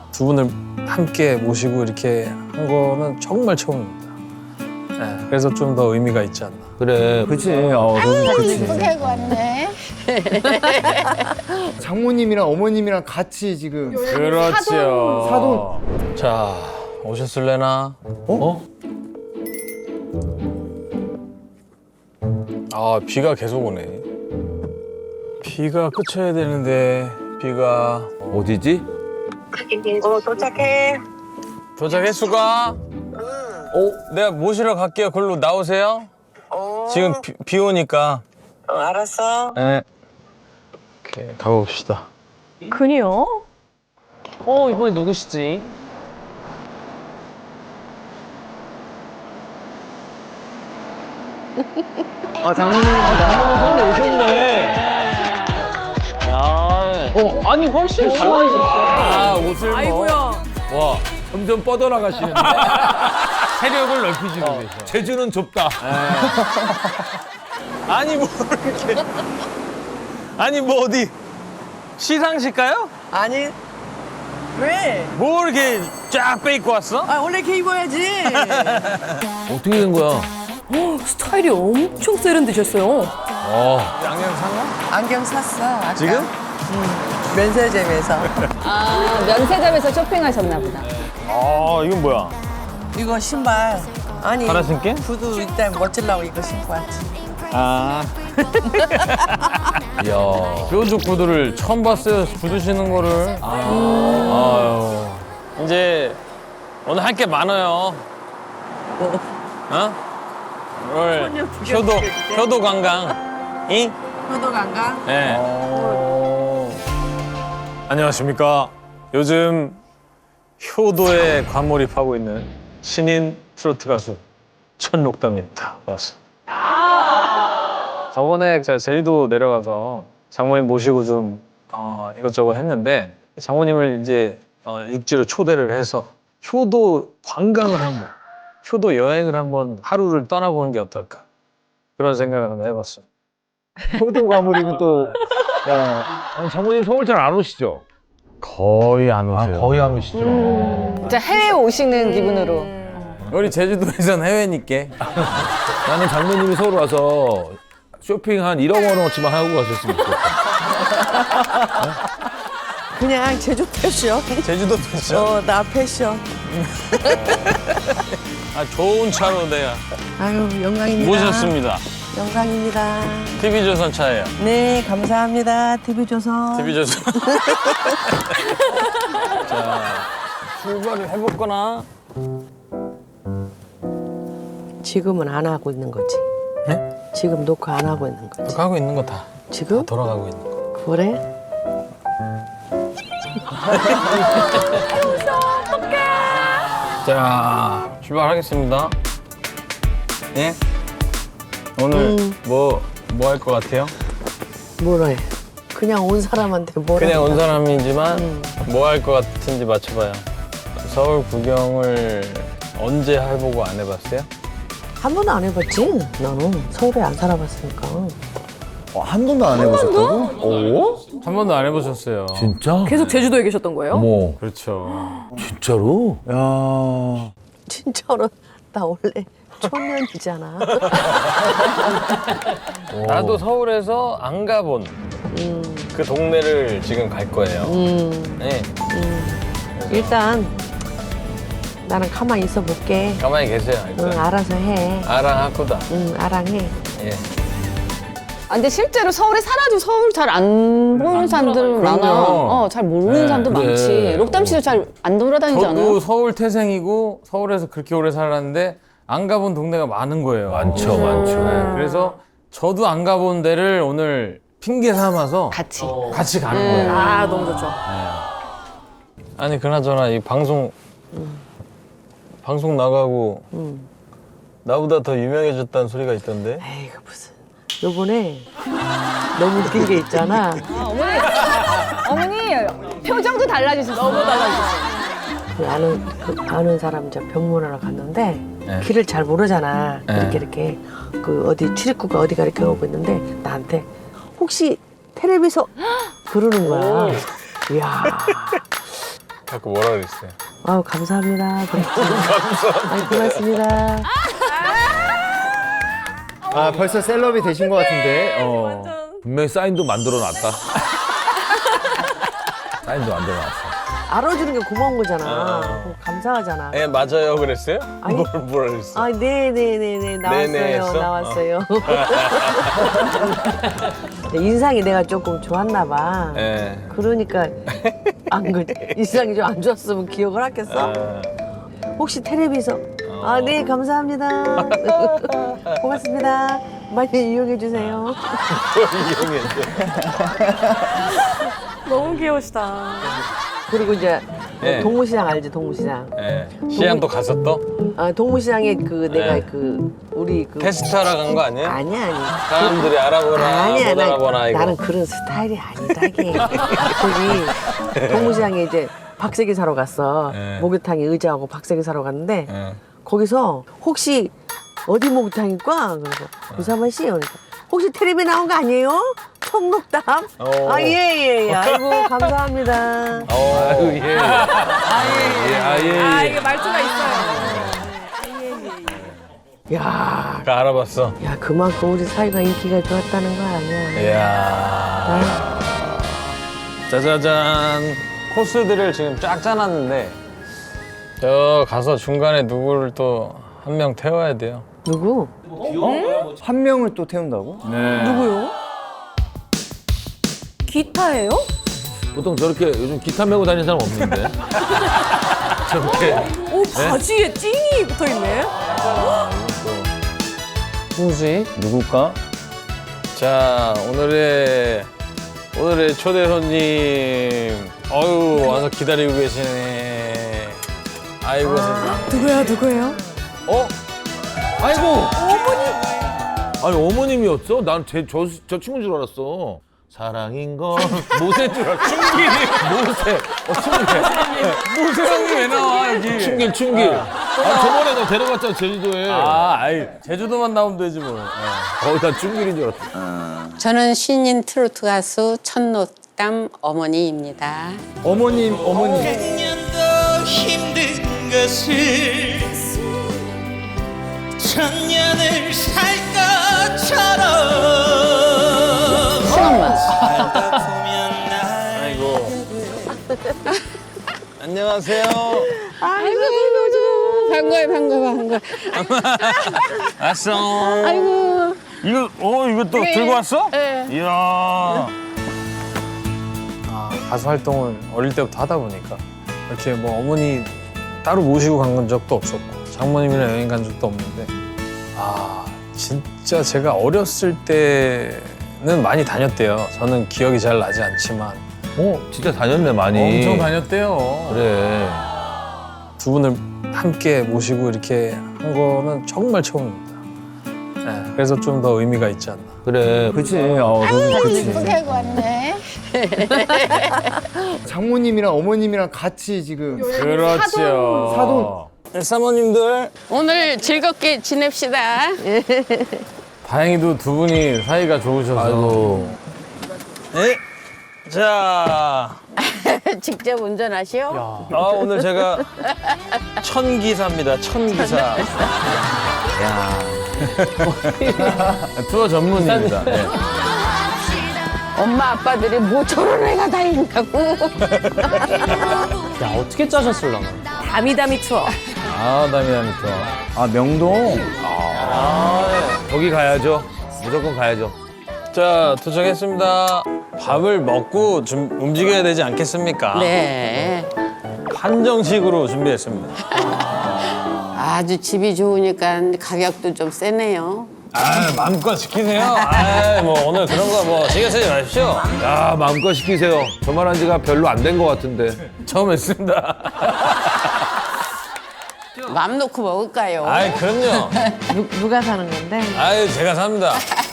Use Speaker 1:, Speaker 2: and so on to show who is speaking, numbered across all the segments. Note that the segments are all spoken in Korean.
Speaker 1: 두 분을 함께 모시고 이렇게 한 거는 정말 처음입니다. 네, 그래서 좀 더 의미가 있지 않나.
Speaker 2: 그래.
Speaker 3: 그치.
Speaker 4: 예쁘게 하고 왔네.
Speaker 3: 장모님이랑 어머님이랑 같이 지금.
Speaker 1: 그렇죠.
Speaker 3: 사돈.
Speaker 1: 자, 오셨을래나? 어? 아, 비가 계속 오네. 비가 그쳐야 되는데, 비가.
Speaker 2: 어디지?
Speaker 4: 도착해.
Speaker 1: 도착했수가? 내가 모시러 갈게요. 글로 나오세요. 지금 비 오니까.
Speaker 4: 알았어.
Speaker 1: 네. 오케이, 가봅시다.
Speaker 5: 그니요?
Speaker 6: 이번에 누구시지? 장모님 오셨네. 아니 훨씬 달라지셨어.
Speaker 1: 아, 옷을
Speaker 5: 아이고야.
Speaker 1: 와,
Speaker 2: 점점 뻗어나가시는데.
Speaker 1: 세력을 넓히시는 데죠.
Speaker 2: 제주는 좁다.
Speaker 1: 아니, 뭐 이렇게. 아니, 뭐 어디 시상식 가요?
Speaker 7: 아니 왜?
Speaker 1: 뭐 이렇게 쫙 빼입고 왔어?
Speaker 7: 아 원래 이렇게 입어야지.
Speaker 2: 어떻게 된 거야?
Speaker 5: 스타일이 엄청 세련되셨어요.
Speaker 1: 양양 상어?
Speaker 7: 안경 샀어. 아까.
Speaker 1: 지금?
Speaker 7: 면세점에서.
Speaker 8: 아, 면세점에서 쇼핑하셨나 보다.
Speaker 1: 아, 이건 뭐야?
Speaker 7: 이거 신발. 아니
Speaker 1: 하나 신게?
Speaker 7: 구두 일단 멋지려고 이거 신고 왔지.
Speaker 1: 아. 이야. 뾰족 구두를 처음 봤어요. 구두 신는 거를. 아유. 이제 오늘 할 게 많아요. 어? 오늘 효도 관광. 이?
Speaker 7: 효도 간가?
Speaker 1: 네. 안녕하십니까. 요즘 효도에 관몰입하고 있는 신인 트로트 가수 천록담입니다. 반갑습니다. 저번에 제가 제주도 내려가서 장모님 모시고 좀 이것저것 했는데 장모님을 이제 육지로 초대를 해서 효도 관광을 한번, 효도 여행을 한번 하루를 떠나보는 게 어떨까 그런 생각을 한번 해봤어요.
Speaker 2: 효도 과물이면 또. 야, 아니, 장모님 서울 잘 안 오시죠?
Speaker 1: 거의 안 오세요.
Speaker 2: 거의 안 오시죠.
Speaker 8: 진짜 해외 오시는 기분으로.
Speaker 1: 우리 제주도에선 해외니까.
Speaker 2: 나는 장모님이 서울 와서 쇼핑 한 1억 원어치만 하고 가셨으면 좋겠다.
Speaker 7: 그냥 제주 패션.
Speaker 1: 제주도 패션.
Speaker 7: 나 패션.
Speaker 1: 아, 좋은 차로 내가
Speaker 7: 아유 영광입니다.
Speaker 1: 모셨습니다.
Speaker 7: 영광입니다.
Speaker 1: TV조선 차예요.
Speaker 7: 네 감사합니다. TV조선.
Speaker 1: TV조선. 자, 출발을 해볼거나.
Speaker 7: 지금은 안 하고 있는 거지.
Speaker 1: 네?
Speaker 7: 지금 녹화 안 하고 있는 거지.
Speaker 1: 하고 있는 거 다.
Speaker 7: 지금?
Speaker 1: 돌아가고 있는 거.
Speaker 7: 그래?
Speaker 1: 자, 출발하겠습니다. 예? 오늘 뭐 할 것 같아요?
Speaker 7: 뭐라 해? 그냥 온 사람한테 뭐라
Speaker 1: 그냥 온
Speaker 7: 한다.
Speaker 1: 사람이지만 뭐 할 것 같은지 맞춰봐요. 서울 구경을 언제 해보고 안 해봤어요?
Speaker 7: 한 번도 안 해봤지? 나는 서울에 안 살아봤으니까.
Speaker 3: 한 번도 안 해보셨다고?
Speaker 1: 한 번도 안 해보셨어요.
Speaker 2: 진짜?
Speaker 5: 계속 제주도에 계셨던 거예요?
Speaker 2: 어머,
Speaker 1: 그렇죠.
Speaker 2: 진짜로?
Speaker 3: 야.
Speaker 7: 진짜로 나 원래 초년이잖아.
Speaker 1: 나도 서울에서 안 가본 그 동네를 지금 갈 거예요. 네.
Speaker 7: 일단 나는 가만히 있어 볼게.
Speaker 1: 가만히 계세요.
Speaker 7: 응,
Speaker 1: 일단.
Speaker 7: 알아서 해.
Speaker 1: 아랑하구다.
Speaker 7: 응, 알아해.
Speaker 1: 예.
Speaker 8: 아, 근데 실제로 서울에 살아도 서울 잘 안 보는 사람들은 많아.
Speaker 1: 그럼요.
Speaker 8: 잘 모르는
Speaker 1: 네,
Speaker 8: 사람도
Speaker 1: 그래.
Speaker 8: 많지. 록담 씨도 잘 안 돌아다니지 않아요?
Speaker 1: 저도 서울 태생이고 서울에서 그렇게 오래 살았는데 안 가본 동네가 많은 거예요.
Speaker 2: 많죠, 많죠.
Speaker 1: 네, 그래서 저도 안 가본 데를 오늘 핑계 삼아서
Speaker 8: 같이.
Speaker 1: 같이 가는 거예요.
Speaker 5: 아, 너무 좋죠.
Speaker 1: 아니 그나저나 이 방송 나가고 나보다 더 유명해졌다는 소리가 있던데.
Speaker 7: 에이그 무슨. 요번에 너무 웃긴 게 있잖아.
Speaker 8: 어머니, 표정도 달라지셨어. 너무 달라지셨어.
Speaker 7: 아는 사람 이제 병문안을 갔는데
Speaker 1: 네.
Speaker 7: 길을 잘 모르잖아.
Speaker 1: 네.
Speaker 7: 이렇게 그 어디 출입구가 어디가 이렇게 오고 있는데 나한테 혹시 텔레비전 그러는 거야. 이야.
Speaker 2: 자꾸 뭐라 그랬어요?
Speaker 7: 아유, 감사합니다. 아유, 고맙습니다.
Speaker 3: 아 벌써 셀럽이 되신 것 같은데.
Speaker 2: 분명히 사인도 만들어놨다. 사인도 만들어놨어.
Speaker 7: 알아주는 게 고마운 거잖아. 감사하잖아.
Speaker 2: 예, 맞아요. 그랬어요?
Speaker 7: 아니.
Speaker 2: 뭐라 그랬어?
Speaker 7: 아, 네네네네. 나왔어요.
Speaker 2: 네네 했어?
Speaker 7: 나왔어요. 인상이 내가 조금 좋았나 봐.
Speaker 2: 예.
Speaker 7: 그러니까 인상이 좀 안 좋았으면 기억을 하겠어? 혹시 텔레비서? 아, 네, 감사합니다. 고맙습니다. 많이 이용해 주세요.
Speaker 5: 너무 귀여우시다.
Speaker 7: 그리고 이제
Speaker 2: 네.
Speaker 7: 동무시장 알지? 동무시장.
Speaker 2: 예. 시장 또 갔어 또?
Speaker 7: 아, 동무시장에 내가
Speaker 2: 네.
Speaker 7: 우리
Speaker 2: 테스트하러 간 거 아니에요?
Speaker 7: 아니야.
Speaker 2: 사람들이 알아보나
Speaker 7: 아니야,
Speaker 2: 못 알아보나 이거.
Speaker 7: 나는 그런 스타일이 아니다게. 거기 동무시장에 이제 박세기 사러 갔어.
Speaker 2: 네.
Speaker 7: 목욕탕에 의자하고 박세기 사러 갔는데
Speaker 2: 예.
Speaker 7: 거기서 혹시 어디 목욕탕일까? 그래서 유사만 씨 그러니까 혹시 텔레비 나온 거 아니에요? 청록담?
Speaker 2: 오.
Speaker 7: 아, 예. 아이고, 감사합니다.
Speaker 2: 아유 예.
Speaker 5: 아, 이게 말투가 있어요.
Speaker 7: 야,
Speaker 2: 알아봤어.
Speaker 7: 야, 그만큼 우리 사이가 인기가 좋았다는 거 아니야.
Speaker 2: 이야.
Speaker 1: 짜자잔. 코스들을 지금 쫙 짜놨는데
Speaker 2: 저 가서 중간에 누구를 또 한 명 태워야 돼요.
Speaker 7: 누구?
Speaker 3: 한 명을 또 태운다고?
Speaker 5: 누구요? 기타예요?
Speaker 2: 보통 저렇게 요즘 기타 메고 다니는 사람 없는데. 저렇게.
Speaker 5: 오, 바지에 찡이 붙어 있네.
Speaker 1: 누구지?
Speaker 3: 누굴까?
Speaker 2: 자, 오늘의 초대 손님. 어유 와서 기다리고 계시네. 아이고 세상에.
Speaker 5: 누구예요?
Speaker 2: 어? 아이고. 아니 어머님이었어? 난 저 친구인 줄 알았어. 사랑인 건 모세인 줄 알았어. 충길이 모세. 충길.
Speaker 1: 모세 형이 왜 나와 여기?
Speaker 2: 충길. 아 저번에 너 데려갔잖아 제주도에.
Speaker 1: 아이 제주도만 나오면 되지 뭐.
Speaker 2: 난 충길인 줄 알았어.
Speaker 4: 저는 신인 트로트 가수 천노담 어머니입니다.
Speaker 3: 어머님.
Speaker 9: 백년도 힘든 것을 천년을 살 것처럼
Speaker 4: 시간만.
Speaker 9: 살다 보면 날
Speaker 2: 아이고. 안녕하세요.
Speaker 4: 아이고, 반가워.
Speaker 2: 왔어.
Speaker 4: 아이고.
Speaker 2: 이거 또 들고 왔어?
Speaker 4: 네.
Speaker 2: 이야.
Speaker 1: 가수 활동을 어릴 때부터 하다 보니까 이렇게 뭐 어머니 따로 모시고 간 적도 없었고 장모님이랑 여행 간 적도 없는데 진짜 제가 어렸을 때는 많이 다녔대요. 저는 기억이 잘 나지 않지만
Speaker 2: 진짜 다녔네 많이.
Speaker 1: 엄청 다녔대요.
Speaker 2: 그래.
Speaker 1: 두 분을 함께 모시고 이렇게 한 거는 정말 처음입니다. 네, 그래서 좀 더 의미가 있지 않나.
Speaker 2: 그래.
Speaker 3: 그치.
Speaker 4: 이쁘게
Speaker 3: 그치.
Speaker 4: 하고 왔네.
Speaker 3: 장모님이랑 어머님이랑 같이 지금
Speaker 1: 그렇죠.
Speaker 3: 사돈.
Speaker 1: 사모님들
Speaker 4: 오늘 즐겁게 지냅시다.
Speaker 1: 다행히도 두 분이 사이가 좋으셔서.
Speaker 2: 아이고.
Speaker 1: 네. 자,
Speaker 4: 직접 운전하시오.
Speaker 1: 오늘 제가 천기사입니다. 천기사. 투어 전문입니다. 네.
Speaker 4: 엄마 아빠들이 뭐 저런 애가 다 있냐고.
Speaker 6: 야, 어떻게 짜셨을라나?
Speaker 5: 다미다미 투어.
Speaker 1: 다미다미 투어.
Speaker 3: 아 명동.
Speaker 2: 거기 가야죠. 무조건 가야죠.
Speaker 1: 자, 도착했습니다. 밥을 먹고 좀 움직여야 되지 않겠습니까?
Speaker 4: 네.
Speaker 1: 한정식으로 준비했습니다.
Speaker 4: 아주 집이 좋으니까 가격도 좀 세네요.
Speaker 1: 마음껏 시키세요. 뭐 오늘 그런 거 뭐 신경 쓰지 마십시오.
Speaker 2: 야 마음껏 시키세요. 저 말한 지가 별로 안 된 것 같은데.
Speaker 1: 처음 했습니다.
Speaker 4: 맘 놓고 먹을까요?
Speaker 1: 그럼요.
Speaker 7: 누가 사는 건데?
Speaker 1: 제가 삽니다.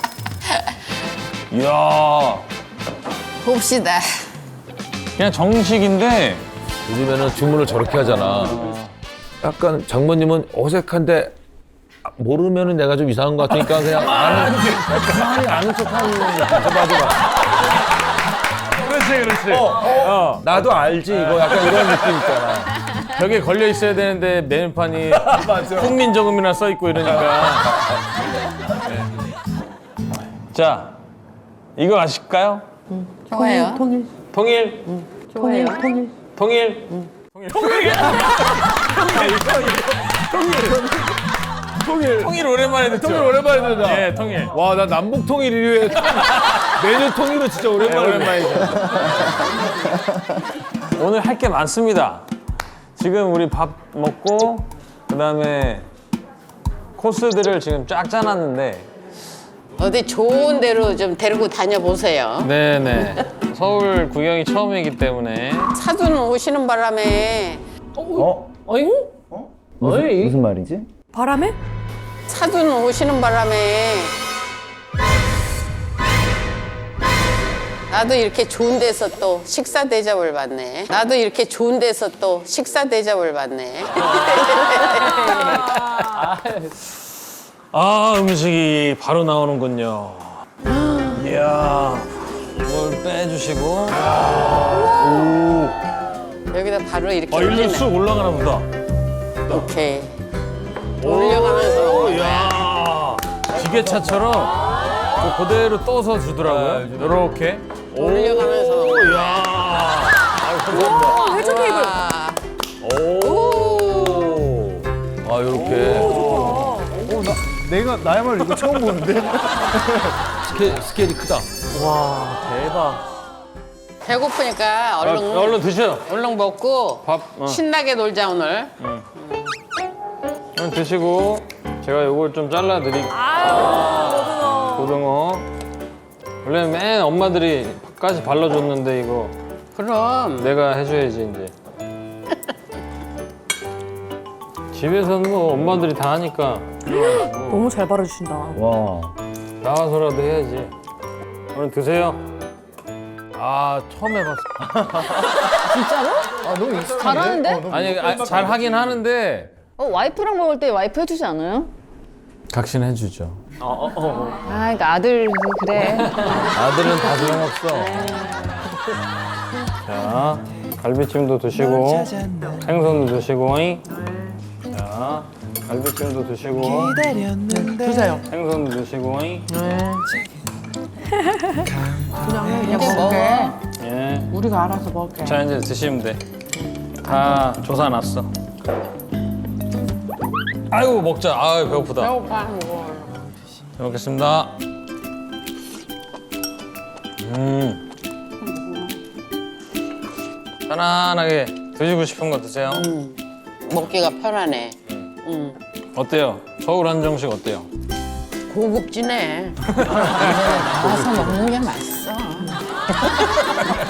Speaker 1: 이야,
Speaker 4: 봅시다.
Speaker 1: 그냥 정식인데
Speaker 2: 요즘에는 주문을 저렇게 하잖아. 약간 장모님은 어색한데 모르면은 내가 좀 이상한 것 같으니까 그냥 가만히 아는 척하는 거. 봐봐.
Speaker 1: 그렇지. 그렇지.
Speaker 2: 나도 알지 이거 약간 이런 느낌 있잖아.
Speaker 1: 벽에 걸려 있어야 되는데 메뉴판이 국민저금이나 써 있고 이러니까. 네. 자, 이거 아실까요?
Speaker 4: 좋아요.
Speaker 7: 통일.
Speaker 1: 통일.
Speaker 7: 통일. 통일.
Speaker 1: 통일. 통일 오랜만에 듣죠.
Speaker 2: 통일 오랜만에 듣는다.
Speaker 1: 예, 통일.
Speaker 2: 와, 나 남북 통일 이후에 메뉴 통일은 진짜 오랜만이죠.
Speaker 1: 오늘 할 게 많습니다. 지금 우리 밥 먹고 그다음에 코스들을 지금 쫙 짜놨는데.
Speaker 4: 어디 좋은 데로 좀 데리고 다녀보세요.
Speaker 1: 네네. 서울 구경이 처음이기 때문에.
Speaker 4: 사돈 오시는 바람에
Speaker 3: 무슨 말이지?
Speaker 5: 바람에?
Speaker 4: 사돈 오시는 바람에 나도 이렇게 좋은 데서 또 식사 대접을 받네. 나도 이렇게 좋은 데서 또 식사 대접을 받네.
Speaker 1: 아, 음식이 바로 나오는군요. 이야, 이걸 빼주시고.
Speaker 4: 여기다 바로 이렇게
Speaker 1: 일로
Speaker 4: 올리네.
Speaker 1: 쑥 올라가나 보다.
Speaker 4: 오케이. 올려가면서 먹는 거야.
Speaker 1: 야, 기계차처럼 그대로 떠서 주더라고요. 이렇게.
Speaker 4: 올려가면서 먹는 거야.
Speaker 1: 야, 아유, 감사합니다.
Speaker 5: 와, 회전 테이블.
Speaker 1: 오.
Speaker 2: 아, 요렇게.
Speaker 3: 나야말로 이거 처음 보는데?
Speaker 2: 스케일이 크다.
Speaker 1: 와, 대박.
Speaker 4: 배고프니까 얼른
Speaker 1: 얼른 드셔.
Speaker 4: 얼른 먹고
Speaker 1: 밥.
Speaker 4: 신나게 놀자 오늘.
Speaker 1: 얼른 드시고 제가 요걸 좀 잘라드릴게요.
Speaker 5: 아유,
Speaker 1: 고등어. 원래 맨 엄마들이 밥까지 발라줬는데 이거
Speaker 4: 그럼
Speaker 1: 내가 해줘야지 이제. 집에서는 뭐 엄마들이 다 하니까
Speaker 5: 너무 잘 바라주신다.
Speaker 3: 와.
Speaker 1: 나와서라도 해야지. 얼른 드세요. 아, 처음 해봤어.
Speaker 3: 아, 너무 익숙한데?
Speaker 8: 잘하는데?
Speaker 1: 아니, 잘 하긴 하는데
Speaker 8: 와이프랑 먹을 때 와이프 해주지 않아요?
Speaker 1: 각신 해주죠.
Speaker 8: 아, 그러니까 아들 그래.
Speaker 1: 아들은 다 소용없어. 자, 갈비찜도 드시고 생선도 드시고. 자, 갈비찜도 드시고
Speaker 4: 드세요.
Speaker 1: 생선도 드시고.
Speaker 4: 그냥 먹게.
Speaker 1: 예.
Speaker 4: 우리가 알아서 먹게.
Speaker 1: 자, 이제 드시면 돼. 다 조사놨어. 아이고, 먹자. 아유, 배고프다.
Speaker 4: 배고파 먹어.
Speaker 1: 잘 먹겠습니다. 편안하게 드시고 싶은 거 드세요.
Speaker 4: 먹기가 편하네.
Speaker 1: 어때요? 서울 한정식 어때요?
Speaker 4: 고급지네. 나와서 먹는 게 맛있어.